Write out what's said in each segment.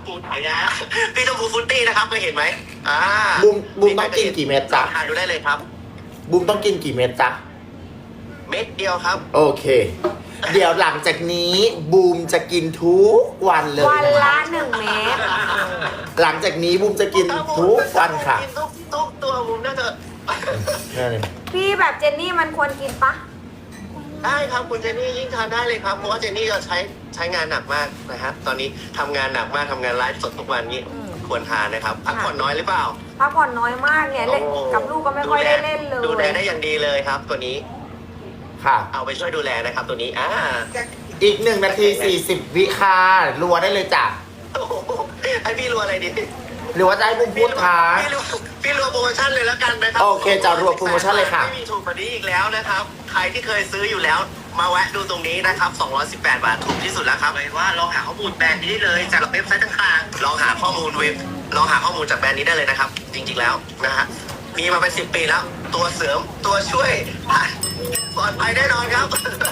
พูไหนนะพี่ชมพูฟุตตี้นะครับเคยเห็นไหมบูมต้องกินกี่เม็ดจ๊ะทานดูได้เลยครับบูมต้องกินกี่เม็ดจ๊ะเม็ดเดียวครับโอเคเดี๋ยวหลังจากนี้บูมจะกินทุกวันเลยวันละ1 เม็ดหลังจากนี้บูมจะกินทุกวันค่ะกินทุกตัวบูมน่าจะพี่แบบเจนนี่มันควรกินปะได้ครับคุณเจนนี่ยิ่งทานได้เลยครับเพราะว่าเจนนี่จะใช้งานหนักมากนะครับตอนนี้ทำงานหนักมากทำงานไลฟ์สดทุกวันนี้ควรทานนะครับพักผ่อนน้อยหรือเปล่าพักผ่อนน้อยมากเนี่ยเล่นกับลูกก็ไม่ค่อยได้เล่นเลยดูแลได้อย่างดีเลยครับตัวนี้ค่ะเอาไปช่วยดูแลนะครับตัวนี้อีก1 นาที 40 วิค่ะรัวได้เลยจ้ะไอพี่รัวอะไรดีหรือว่าจะให้บูมพูดคะพี่รัวโปรโมชั่นเลยแล้วกันนะครับโอเคจะรัวโปรโมชั่นเลยค่ะไม่มีถูกกว่านี้อีกแล้วนะครับใครที่เคยซื้ออยู่แล้วมาแวะดูตรงนี้นะครับ218 บาทถูกที่สุดแล้วครับเลยว่าลองหาข้อมูลแบรนด์นี้ได้เลยจากเว็บไซต์ต่างๆลองหาข้อมูลจากแบรนด์นี้ได้เลยนะครับจริงๆแล้วนะฮะมีมาเป็น10 ปีแล้วตัวเสริมตัวช่วยปลอดภัยแน่นอนครับ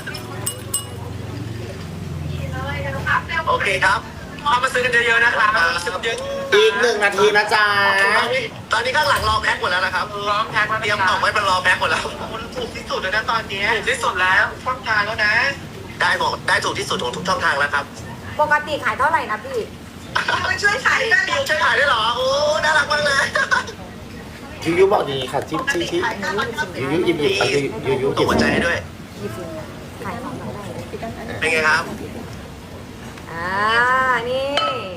โอเคครับเข้ามาซื้อกันเยอะๆนะครับอีก1 นาทีนะจ๊ะตอนนี้ข้างหลังรอแพ็คหมดแล้วนะครับรอแพ็คเตรียมของไว้เป็นรอแพ็คหมดแล้วถูกที่สุดแล้วนะตอนนี้ถูกที่สุดแล้วช่องทางแล้วนะได้ถูกที่สุดของทุกช่องทางแล้วครับปกติขายเท่าไหร่นะพี่ช่วยขายได้ช่วยขายได้หรอโอ้น่ารักมากเลยยูบอกอย่างนี้ค่ะจิ๊บยูหยิบยูตกใจด้วยขายของได้เป็นไงครับนี่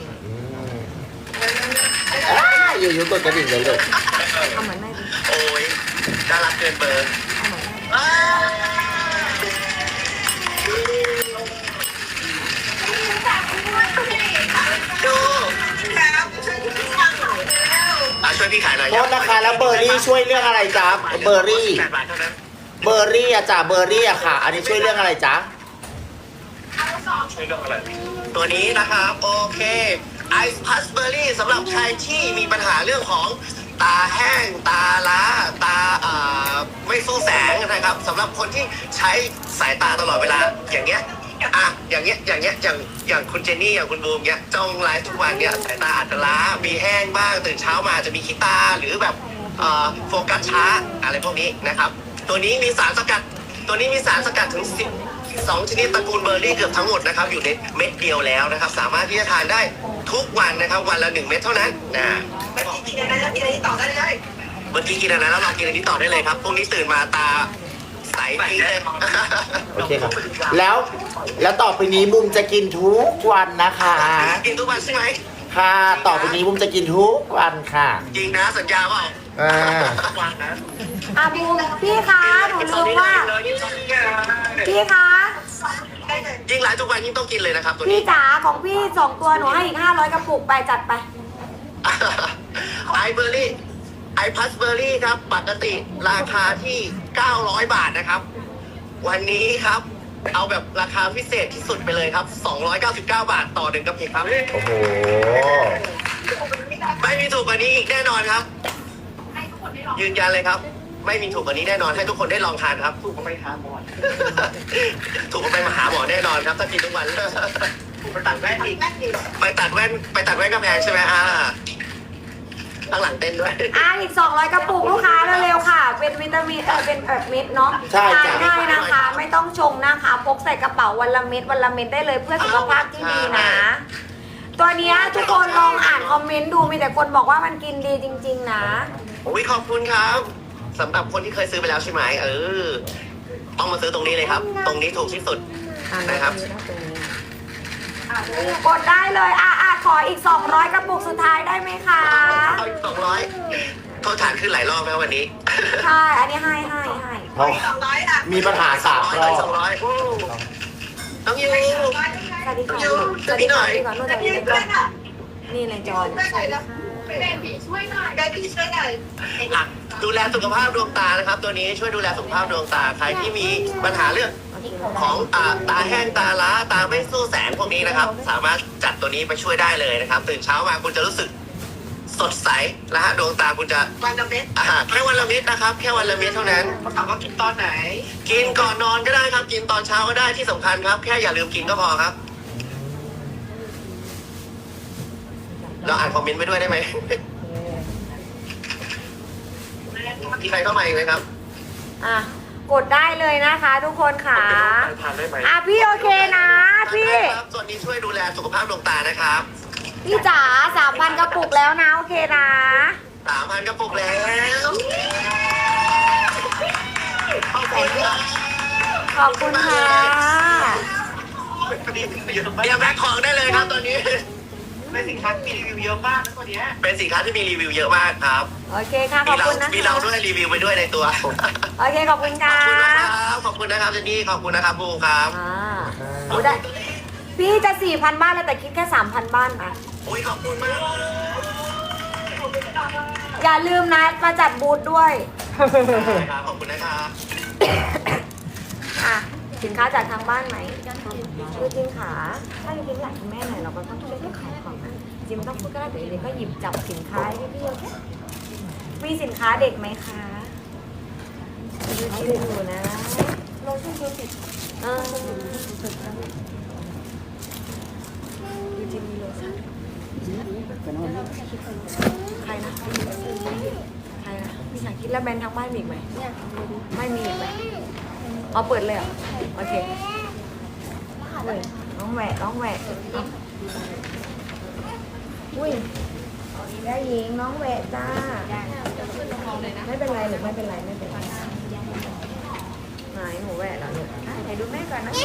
ยูกดกระดิ่งเลยเอาเหมือนแม่ดิโอ้ยน่ารักเกินเบอร์ช่วยพี่ขายหน่อยโทษนะคะแล้วเบอร์รี่ช่วยเรื่องอะไรจ๊ะเบอร์รี่อะจ้ะเบอร์รี่อะค่ะอันนี้ช่วยเรื่องอะไรจ๊ะช่วยเรื่องอะไรตัวนี้นะครับโอเคไอซ์พัสเบอร์รี่สำหรับใครที่มีปัญหาเรื่องของตาแห้งตาล้าตาไม่สู้แสงนะครับสำหรับคนที่ใช้สายตาตลอดเวลาอย่างเงี้ยอย่างคุณเจนนี่อย่างคุณบูมเงี้ยจ้องไลฟ์ทุกวันเนี้ยสายตาอาจจะล้ามีแห้งบ้างตื่นเช้ามาจะมีขี้ตาหรือแบบโฟกัสช้าอะไรพวกนี้นะครับตัวนี้มีสารสกัดถึง12 ชนิดตระกูลเบอร์รี่เกือบทั้งหมดนะครับอยู่ในเม็ดเดียวแล้วนะครับสามารถที่จะทานได้ทุกวันนะครับวันละ1 เม็ดเท่านั้นเมื่อกี้กินอะไรแล้วกินอันนี้ต่อได้เลยเมื่อกี้กินอะไรแล้วลองกินอันนี้ต่อได้เลยครับพวกนี้ตื่นมาตาใสปีเลยโอเคครับแล้วต่อไปนี้บุมจะกินทุกวันนะคะกินทุกวันใช่ไหมค่ะต่อไปนี้บุมจะกินทุกวันค่ะจริงนะสัญญาเปล่าวันนะบูมพี่คะหนูลืมว่าพี่คะยิ่งไลฟ์ทุกวันยิ่งต้องกินเลยนะครับตัวนี้พี่จ๋าของพี่2 ตัวหนูให้อีก500 กระปุกไปจัดไปไอเบอร์รี่ไอพัสเบอร์รี่ครับปกติราคาที่900 บาทนะครับวันนี้ครับเอาแบบราคาพิเศษที่สุดไปเลยครับ299 บาทต่อ1 กระปุกครับโอ้โหไม่มีถูกกว่านี้อีกแน่นอนครับยืนยันเลยครับไม่มีถูกกว่านี้แน่นอนให้ทุกคนได้ลองทานครับถูกก็ไปหาหมอถูกก็ไปมาหาหมอแน่นอนครับถ้ากินทุกวันไปตัดแว่นอีกไปตัดแว่นกระแพงใช่ไหมข้างหลังเต้นด้วยอีก200 กระปุกลูกค้าเร็วๆค่ะเป็นวิตามินเป็นแบบเม็ดเนาะใช่ทานง่ายนะคะไม่ต้องชงนะคะพกใส่กระเป๋าวันละเม็ดได้เลยเพื่อสุขภาพที่ดีนะตัวนี้ทุกคนลองอ่านคอมเมนต์ดูมีแต่คนบอกว่ามันกินดีจริงๆนะขอบคุณครับสำหรับคนที่เคยซื้อไปแล้วใช่ไหมต้องมาซื้อตรงนี้เลยครับตรงนี้ถูกที่สุดนะครับกดได้เลยขออีก200 กระปุกสุดท้ายได้ไหมคะอีก200โทษฐานขึ้นหลายรอบแล้ววันนี้ใช่อันนี้ให้มีปัญหา3 รอบต้องยูสวัสดีค่ะนี่เลยจอนดูแลสุขภาพดวงตานะครับตัวนี้ช่วยดูแลสุขภาพดวงตาใครที่มีปัญหาเรื่องของตาแห้งตาล้าตาไม่สู้แสงพวกนี้นะครับสามารถจัดตัวนี้ไปช่วยได้เลยนะครับตื่นเช้ามาคุณจะรู้สึกสดใสและดวงตาคุณจะวันละเม็ดแค่วันละเม็ดนะครับแค่วันละเม็ดเท่านั้นถามว่ากินตอนไหนกินก่อนนอนก็ได้ครับกินตอนเช้าก็ได้ที่สำคัญครับแค่อย่าลืมกินก็พอครับเราอ่านคอมเมนต์ไปด้วยได้ไหมมีใครเข้ามาอีกไหมครับอ่ะกดได้เลยนะคะทุกคนค่ะทานได้ไหมอ่ะพี่โอเคนะพี่ครับส่วนนี้ช่วยดูแลสุขภาพดวงตานะครับพี่จ๋า3,000 กระปุกแล้วนะโอเคนะ 3,000 กระปุกแล้วขอบคุณครับขอบคุณค่ะเดี๋ยวแบ็คของได้เลยครับตอนนี้ เป็นสินค้าที่มีรีวิวเยอะมากนะตัวนี้เป็นสินค้าที่มีรีวิวเยอะมากครับโอเคค่ะขอบคุณนะคะมีเราด้วยรีวิวไปด้วยในตัวโอเคขอบคุณขอค่ะบคุณนะครับขอบคุณนะครับเจนนี่ขอบคุณนะครับบูมครับอ่าโอ้ได้พี่จะ 4,000 บ้านเลยแต่คิดแค่ 3,000 บ้านนะโอ้ยขอบคุณมากอย่าลืมนะมาจัดบูธด้วยครับขอบคุณนะครับอ่ะสินค้าจากทางบ้านไหมคือจริงค่ะถ้าจริงๆอยากให้แม่หน่อยเราก็ต้องช่วยขายของนะจริงๆไม่ต้องพูดก็ได้แต่จริงๆก็หยิบจับสินค้าให้พี่ๆโอเคมีสินค้าเด็กไหมคะดูที่ดูนะโลชั่นดูสิดูจิมีโลชั่นใครนะใครนะพี่ชาคิดแล้วแบรนด์ทางบ้านมีอีกไหมไม่มีอีกไหมเอาเปิดเลยเหรอโอเคอุ้ยน้องแหวะน้องแหวะอุ้ยได้หญิงน้องแหวะจ้าไม่เป็นไรหรือไม่เป็นไรไม่เป็นไรไหนหนูแหวะแล้วลูกไหนดูแม่ก่อนนะ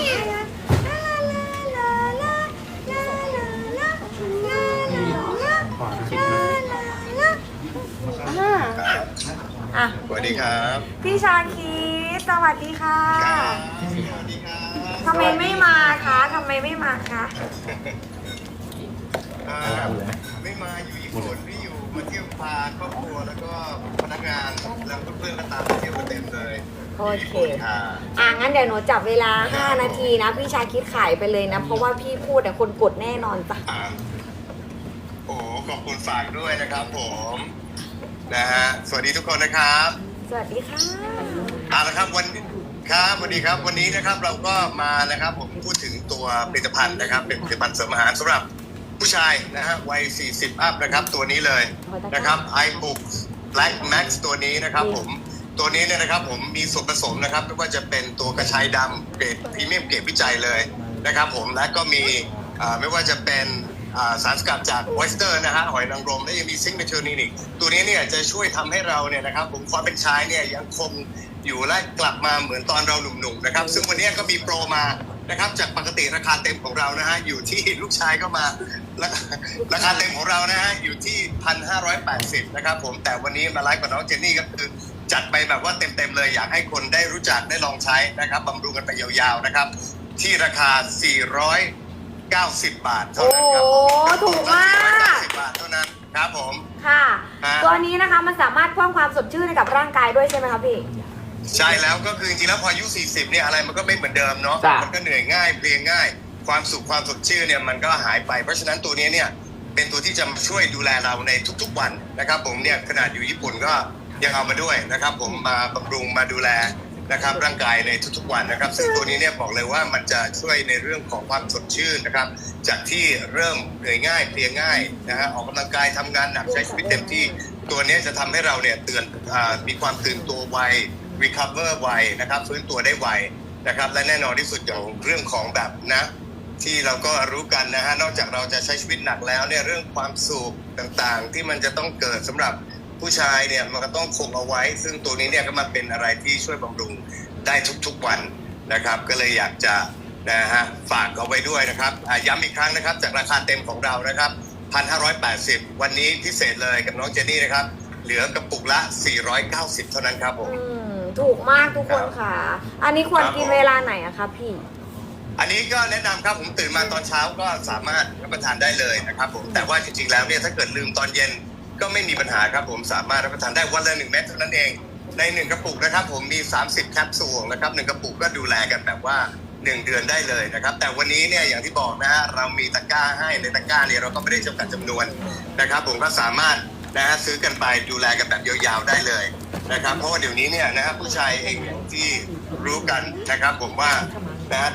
อ่ะสวัสดีครับพี่ชาคิดสวัสดีค่ะสวัสดีครับทำไมไม่มาคะทำไมไม่มาคะไม่มาอยู่ญี่ปุ่นพี่อยู่มาเที่ยวพาครอบครัวแล้วก็พนักงานแล้วเพื่อนๆก็ตามมาเที่ยวกันเต็มเลยโอเคค่ะงั้นเดี๋ยวหนูจับเวลา 5 นาทีนะ พี่ชาคิดขายไปเลยนะ เพราะว่าพี่พูดแต่คนกดแน่นอนจ้ะโอ้ขอบคุณฝากด้วยนะครับผมนะฮะสวัสดีทุกคนนะครับสวัสดีค่ะเอาละครับวันครับสวัสดีครับวันนี้นะครับเราก็มานะครับผมพูดถึงตัวผลิตภัณฑ์นะครับเป็นผลิตภัณฑ์เสริมอาหารสำหรับผู้ชายนะฮะวัย 40 อัพนะครับตัวนี้เลยนะครับ iBook Black Max ตัวนี้นะครับผมตัวนี้เนี่ยนะครับผมมีส่วนผสมนะครับไม่ว่าจะเป็นตัวกระชายดำเกรดพรีเมียมเกรดวิจัยเลยนะครับผมและก็มีไม่ว่าจะเป็นสารสกัดจากออ y สเตอร์นะฮะหอยนางรมและยังมีซิงค์เมทิลนิกตัวนี้เนี่ยจะช่วยทำให้เราเนี่ยนะครับผมความเป็นชายเนี่ยยังคงอยู่และกลับมาเหมือนตอนเราหนุ่มๆนะครับซึ่งวันนี้ก็มีโปรมานะครับจากปกติราคาเต็มของเรานะฮะอยู่ที่ลูกชายก็มาราคาเต็มของเรานะฮะอยู่ที่ 1,580 นะครับผมแต่วันนี้มาไลฟ์กับน้องเจนนี่ก็คือจัดไปแบบว่าเต็มๆเลยอยากให้คนได้รู้จักได้ลองใช้นะครับบำรุงกันไปยาวๆนะครับที่ราคา 490 บาทเท่าโอ้นั้นครับผมถูกมาก 490 บาทเท่านั้นครับผมค่ะฮะตัวนี้นะคะมันสามารถเพิ่มความสดชื่นให้กับร่างกายด้วยใช่ไหมคะพี่ใช่แล้วก็คือจริงๆแล้วพออายุ 40 เนี่ยอะไรมันก็ไม่เหมือนเดิมเนาะจ้ะมันก็เหนื่อยง่ายเพลียง่าย ความสุขความสดชื่นเนี่ยมันก็หายไป เพราะฉะนั้นตัวนี้เนี่ยเป็นตัวที่จะมาช่วยดูแลเราในทุกๆวันนะครับผมเนี่ยขนาดอยู่ญี่ปุ่นก็ยังเอามาด้วยนะครับผมมาบำรุงมาดูแลนะครับร่างกายในทุกๆวันนะครับซึ่งตัวนี้เนี่ยบอกเลยว่ามันจะช่วยในเรื่องของความสดชื่นนะครับจากที่เริ่มเหนื่อยง่ายเพลียง่ายนะฮะออกกำลังกายทำงานหนักใช้ชีวิตเต็มที่ตัวนี้จะทำให้เราเนี่ยมีความตื่นตัวไวrecover ไวนะครับฟื้นตัวได้ไวนะครับและแน่นอนที่สุดอย่างเรื่องของแบบนะที่เราก็รู้กันนะฮะนอกจากเราจะใช้ชีวิตหนักแล้วเนี่ยเรื่องความสุขต่างๆที่มันจะต้องเกิดสำหรับผู้ชายเนี่ยมันก็ต้องคงเอาไว้ซึ่งตัวนี้เนี่ยก็มาเป็นอะไรที่ช่วยบำรุงได้ทุกๆวันนะครับก็เลยอยากจะนะฮะฝากเอาไว้ด้วยนะครับย้ำอีกครั้งนะครับจากราคาเต็มของเรานะครับ 1,580 วันนี้พิเศษเลยกับน้องเจนนี่นะครับเหลือกระปุกละ 490 เท่านั้นครับผมถูกมากทุกคนค่ะ อันนี้ควรกินเวลาไหนอะคะพี่อันนี้ก็แนะนำครับผมตื่นมาตอนเช้าก็สามารถรับประทานได้เลยนะครับผมแต่ว่าจริงๆแล้วเนี่ยถ้าเกิดลืมตอนเย็นก็ไม่มีปัญหาครับผมสามารถรับประทานได้วันละ1 เม็ดเท่านั้นเองใน1กระปุกนะครับผมมี30แคปซูลนะครับ1กระปุกก็ดูแลกันแบบว่า1 เดือนได้เลยนะครับแต่วันนี้เนี่ยอย่างที่บอกนะฮะเรามีตะกร้าให้ในตะกร้าเนี่ยเราก็ไม่ได้จำกัดจำนวนนะครับผมก็สามารถนะฮะซื้อกันไปดูแลกันแบบยาวๆได้เลยนะครับเพราะว่าเดี๋ยวนี้เนี่ยนะฮะผู้ชายเองอย่างที่รู้กันนะครับผมว่านะฮะ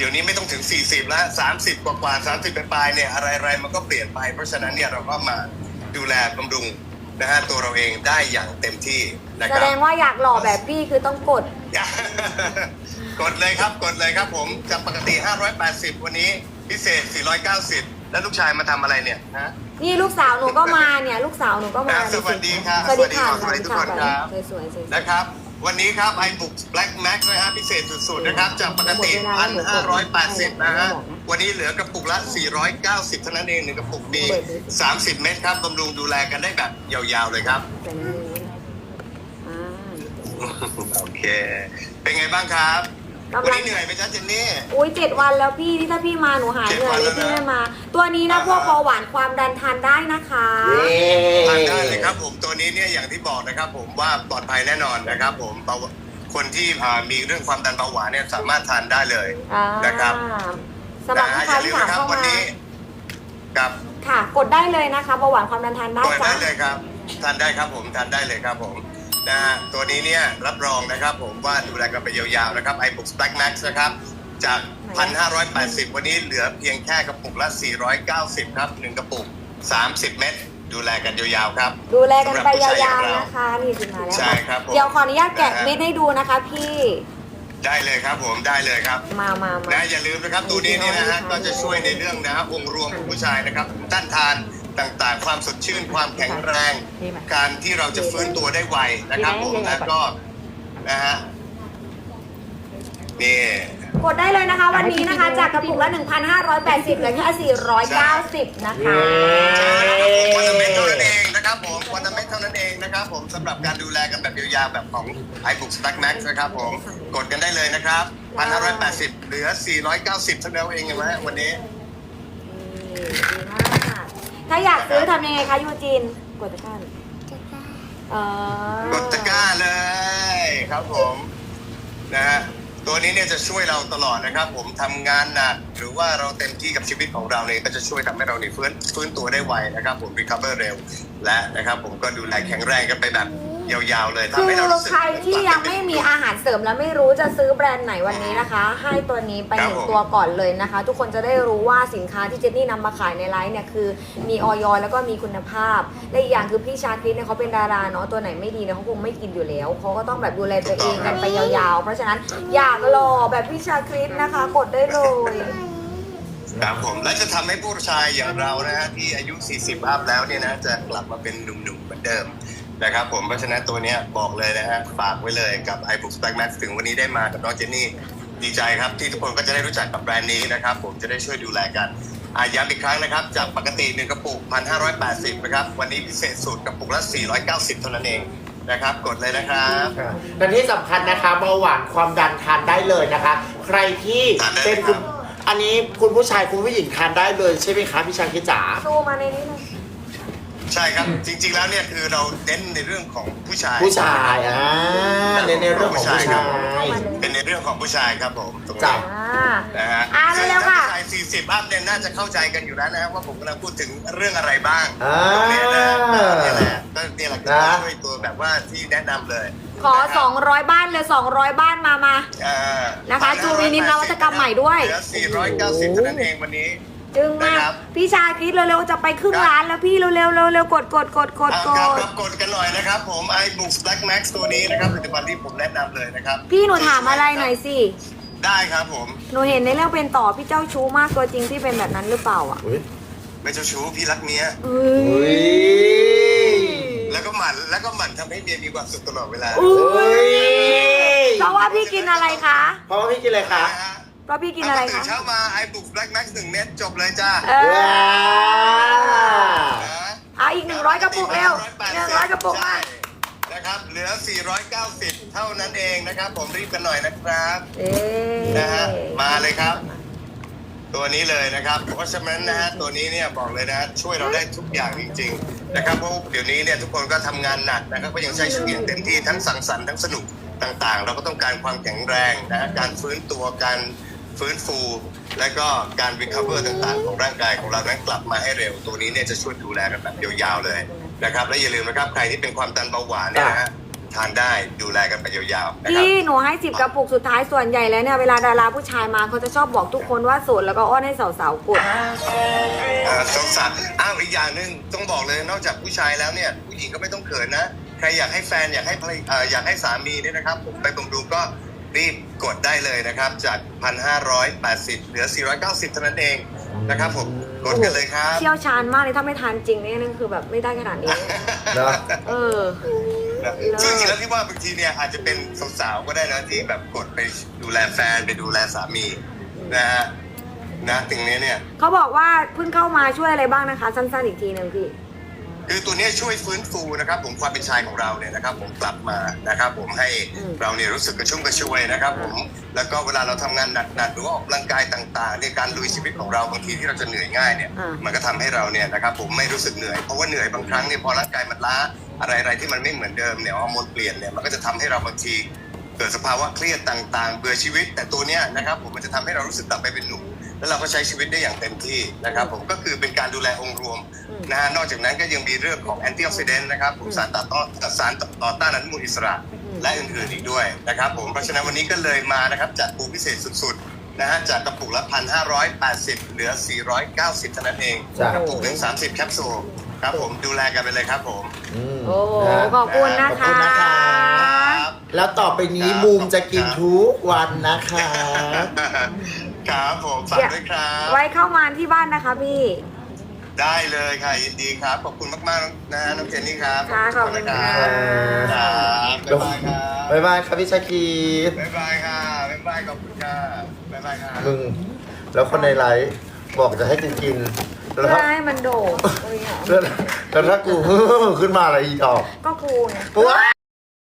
ดี๋ยวนี้ไม่ต้องถึง 40 แล้ว 30 กว่า30 ปลายๆเนี่ยอะไรๆมันก็เปลี่ยนไป เพราะฉะนั้นเนี่ยเราก็มาดูแลบำรุงนะฮะตัวเราเองได้อย่างเต็มที่นะคแสรับดงว่าอยากหล่อแบบพี่คือต้องกดกดเลยครับกดเลยครับผมจากปกติ 580 วันนี้พิเศษ 490 แล้วลูกชายมาทำอะไรเนี่ยนะนี่ลูกสาวหนูก็มาเนี่ย ลูกสาวหนูก็มาสวัสดีครับสวัสดีค่ะสวัสดีทุกคนครับสวยๆนะครับวันนี้ครับ iBook Black Max นะฮะพิเศษสุดๆนะครับจากปกติ 1,580 นะฮะวันนี้เหลือกระปุกละ 490 เท่านั้นเองหนึ่งกระปุกมี 30 เม็ดครับบำรุงดูแลกันได้แบบยาวๆเลยครับแต่นี่อ่าโอเค เป็นไงบ้างครับกำลังวันนี้เหนื่อยไหมจ๊ะเจนนี่อุ้ย7 วันแล้วพี่ที่ถ้าพี่มาหนูหายเหนื่อยเลย 7 วันแล้วนะพี่ไม่มา ตัวนี้นะพวกเบาหวานความดันทานได้นะคะเย้ทานได้เลยครับผมตัวนี้เนี่ยอย่างที่บอกนะครับผมว่าปลอดภัยแน่นอนนะครับผมคนที่มีเรื่องความดันเบาหวานเนี่ยสามารถทานได้เลยอ่านะครับสำหรับนะลูฮะกอค้าย่าลืที่มถามนะครับเข้าวันมานี้กับค่ะ กดได้เลยนะคะเบาหวานความดันทานได้กดจ้ะได้เลยครับทานได้ครับผมทานได้เลยครับผมนะฮะตัวนี้เนี่ยรับรองนะครับผมว่าดูแลกันไปยาวๆนะครับ iBook Black Max นะครับจาก 1,580 วันนี้เหลือเพียงแค่กระปุกละ 490 ครับ1กระปุก 30 เม็ดดูแลกันยาวๆครับดูแลกันไปยาวๆนะคะนี่สิมาแล้วใช่ครับผมเดี๋ยวขออนุญาตแกะเม็ดให้ดูนะคะพี่ได้เลยครับผมได้เลยครับมานะอย่าลืมนะครับตัวนี้เนี่ยนะฮะก็จะช่วยในเรื่องนะฮะองค์รวมของผู้ชายนะครับต้านทานต่างๆ ความสดชื่นความแข็งแรง การที่เราจะฟื้นตัวได้ไวนะครับผมแล้วก็นะฮะนี่กดได้เลยนะคะ วันนี้นะคะ จากกระปุกละ 1,580เหลือแค่490 นะคะวันละเม็ดเท่านั้นเองนะครับผมวันละเม็ดเท่านั้นเองนะครับผมสำหรับการดูแลกันแบบยาวๆแบบของ iBook Black Max นะครับผมกดกันได้เลยนะครับ 1,580 เหลือ 490เท่านั้นเองเห็นไหมวันนี้ดีมากถ้าอยากซื้อทำยังไงคะยูจิน กดตะกร้าเลยกดตะกร้าเลยครับผมนะฮะตัวนี้เนี่ยจะช่วยเราตลอดนะครับ ผมทำงานหนักหรือว่าเราเต็มที่กับชีวิตของเราเนี่ยก็จะช่วยทำให้เราเนี่ยฟื้นตัวได้ไวนะครับผม recover เร็วและนะครับผมก็ดูแลแข็งแรงกันไปแบบยาวๆเลยคืทำให้เราอรู้สึกใครที่ยังไม่มีอาหารเสริมแล้วไม่รู้จะซื้อแบรนด์ไหนวันนี้นะคะ ให้ตัวนี้ไปครับ 1 ผมตัวก่อนเลยนะคะ ทุกคนจะได้รู้ว่าสินค้าที่เจนนี่นำมาขายในไลฟ์เนี่ยคือมีออยแล้วก็มีคุณภาพและอีกอย่างคือพี่ชาคริสเนี่ยเขาเป็นดาราเนาะตัวไหนไม่ดีเนี่ยเขาคงไม่กินอยู่แล้วเขาก็ต้องแบบดูแลตัวเองกันไปยาวๆ เพราะฉะนั้นอยากหล่อแบบพี่ชาคริสนะคะ กดได้เลยครับผมและจะทำให้ผู้ชายอย่างเรานะฮะที่อายุ 40 อัพแล้วเนี่ยนะจะกลับมาเป็นหนุ่มๆเหมือนเดิมนะครับผมเพราะฉะนั้นตัวเนี้ยบอกเลยนะฮะฝากไว้เลยกับ iBook Black Max ถึงวันนี้ได้มากับน้องเจนนี่ดีใจครับที่ทุกคนก็จะได้รู้จักกับแบรนด์นี้นะครับผมจะได้ช่วยดูแลกันย้ำอีกครั้งนะครับจากปกติ1กระปุก 1,580 นะครับวันนี้พิเศษสุดกระปุกละ 490 เท่านั้นเองนะครับกดเลยนะครับและที่สำคัญนะคะเบาหวานความดันทานได้เลยนะคะ ใครที่เป็นคุณอันนี้คุณผู้ชายคุณผู้หญิงทานได้เลยใช่ไหมคะพี่ชาคิดจ๋าซูมาในนี้เลยใช่ครับจริงๆแล้วเนี่ยคือเราเน้นในเรื่องของผู้ชายผู้ชายในเรื่องของผู้ชายเป็นในเรื่องของผู้ชายครับผมตรงจ้ะนี้ นะฮะเร็วๆค่ะถ้าผู้ชาย40 อัพเนี่ยน่าจะเข้าใจกันอยู่แล้วนะว่าผมกำลังพูดถึงเรื่องอะไรบ้างอ่าตรงนี้นะนี่แหละก็นี่แหละคือช่วยตัวแบบว่าที่แนะนำเลยขอ 200 บ้านเลย200 บ้านมาอ่านะคะจูวินิมนวัตกรรมใหม่ด้วยเหลือ490เท่านั้นเองวันนี้จึงมากนะครับพี่ชาคิดเร็วๆจะไปครึ่งล้านแล้วพี่เร็วๆเร็วๆกดครับกดกันหน่อยนะครับผม iBook Black Max ตัวนี้นะครับผลิตภัณฑ์ที่ผมแนะนำเลยนะครับพี่หนูถามอะไรหน่อยสิได้ครับผมหนูเห็นในเรื่องเป็นต่อพี่เจ้าชู้มากตัวจริงพี่เป็นแบบนั้นหรือเปล่าอ่ะไม่เจ้าชู้พี่รักเมียเอ้อุ้ยยแล้วก็หมั่นทำให้เมียมีความสุขตลอดเวลาอุ้ยเพราะว่าพี่กินอะไรคะเพราะว่าพี่กินอะไรคะเพราะพี่กินอะไรตื่คะนเช้ามา iBook Black Max 1 เม็ดจบเลยจ้าว้าเอาอีก100 กระปุกเร็ว100 กระปุกมานะครับเหลือ 490 เท่านั้นเองนะครับผมรีบกันหน่อยนะครับเอ๊นะฮะมาเลยครับ ตัวนี้เลยนะครับเพราะฉะนั้นนะฮะตัวนี้เนี่ยบอกเลยนะช่วยเราได้ทุกอย่างจริงๆนะครับเพราะเดี๋ยวนี้เนี่ยทุกคนก็ทำงานหนักนะครับก็ยังใช้ชีวิตเต็มที่ทั้งสังสรรค์ทั้งสนุกต่างๆ เราก็ต้องการความแข็งแรงนะฮะการฟื้นตัวการฟื้นฟู และก็การ recover ต่างๆ ของร่างกายของเรานั้นกลับมาให้เร็วตัวนี้เนี่ยจะช่วยดูแลกันแบบยาวๆเลยนะครับและอย่าลืมนะครับใครที่เป็นความดันเบาหวานเนี่ยนะฮะทานได้ดูแลกันไปยาวๆนะครับพี่หนูให้10 กระปุกสุดท้ายส่วนใหญ่แล้วเนี่ยเวลาดาราผู้ชายมาเขาจะชอบบอกทุกคนว่าโสดแล้วก็อ้อนให้สาวๆกดสงสารอีกอย่างหนึ่งต้องบอกเลยนอกจากผู้ชายแล้วเนี่ยผู้หญิงก็ไม่ต้องเขินนะใครอยากให้แฟนอยากให้ภรรยาอยากให้สามีเนี่ยนะครับผมไปบำรุงก็รีบกดได้เลยนะครับจาก 1,580 เหลือ 490 เท่านั้นเองนะครับผมกดกันเลยครับเชี่ยวชาญมากเลยถ้าไม่ทานจริงเนี่ยนั่นคือแบบไม่ได้ขนาดนี้นะเออซึ่งจริงๆแล้วที่ว่าบางทีเนี่ยอาจจะเป็นสาวๆก็ได้นะที่แบบกดไปดูแลแฟนไปดูแลสามีนะฮะนะตรงนี้เนี่ยเขาบอกว่าเพิ่งเข้ามาช่วยอะไรบ้างนะคะ สั้นๆอีกทีหนึ่งพี่คือตัวนี้ช่วยฟื้นฟูนะครับผมความเป็นชายของเราเนี่ยนะครับผมกลับมานะครับผมให้เราเนี่ยรู้สึกกระชุ่มกระชวยนะครับผมแล้วก็เวลาเราทำงานหนักๆหรือว่าออกกำลังกายต่างๆในการลุยชีวิตของเราบางทีที่เราจะเหนื่อยง่ายเนี่ยอ่ามัมันก็ทำให้เราเนี่ยนะครับผมไม่รู้สึกเหนื่อยเพราะว่าเหนื่อยบางครั้งเนี่ยพอร่างกายมันล้าอะไรที่มันไม่เหมือนเดิมเนี่ยฮอร์โมนเปลี่ยนเนี่ยมันก็จะทำให้เราบางทีเกิดสภาวะเครียดต่างๆเบื่อชีวิตแต่ตัวเนี้ยนะครับผมมันจะทำให้เรารู้สึกกลับไปเป็นหนุ่มแล้วเราก็ใช้ชีวิตได้อย่างเต็มที่นะครับผมก็คือเป็นการดูแลองค์รวมนะฮะนอกจากนั้นก็ยังมีเรื่องของแอนตี้ออกซิเดนต์นะครับผมสารต่อต้านอนุมูลอิสระและอื่นๆอีกด้วยนะครับผมเพราะฉะนั้นวันนี้ก็เลยมานะครับจัดปูพิเศษสุดๆนะฮะจากกระปุกละ 1,580 เหลือ 490 เท่านั้นเองจ้ะกระปุกหนึ่ง30 แคปซูลครับผมดูแลกันไปเลยครับผมมโอ้โหขอบคุณนะขอบคะคุณนะคะ แล้วต่อไปนี้บูมจะกินทุกวันนะคะครับผมฝากด้วยครับไว้เข้ามาที่บ้านนะคะพี่ได้เลยค่ะยินดีครับขอบคุณมากๆนะฮะน้องเจนนี่ครับค่ะขอบคุณค่ะครับบ๊ายบายครับบ๊ายบายครับพี่ชาคีบ๊ายบายค่ะบ๊ายบายขอบคุณค่ะบ๊ายบายค่ะมึง แล้วคนในไลฟ์บอกจะให้กูกิน แล้วเพื่ถ้าอให้มันโด่งแล้วถ้ากู ขึ้นมาอะไรอีกดอกก็กูไงว้า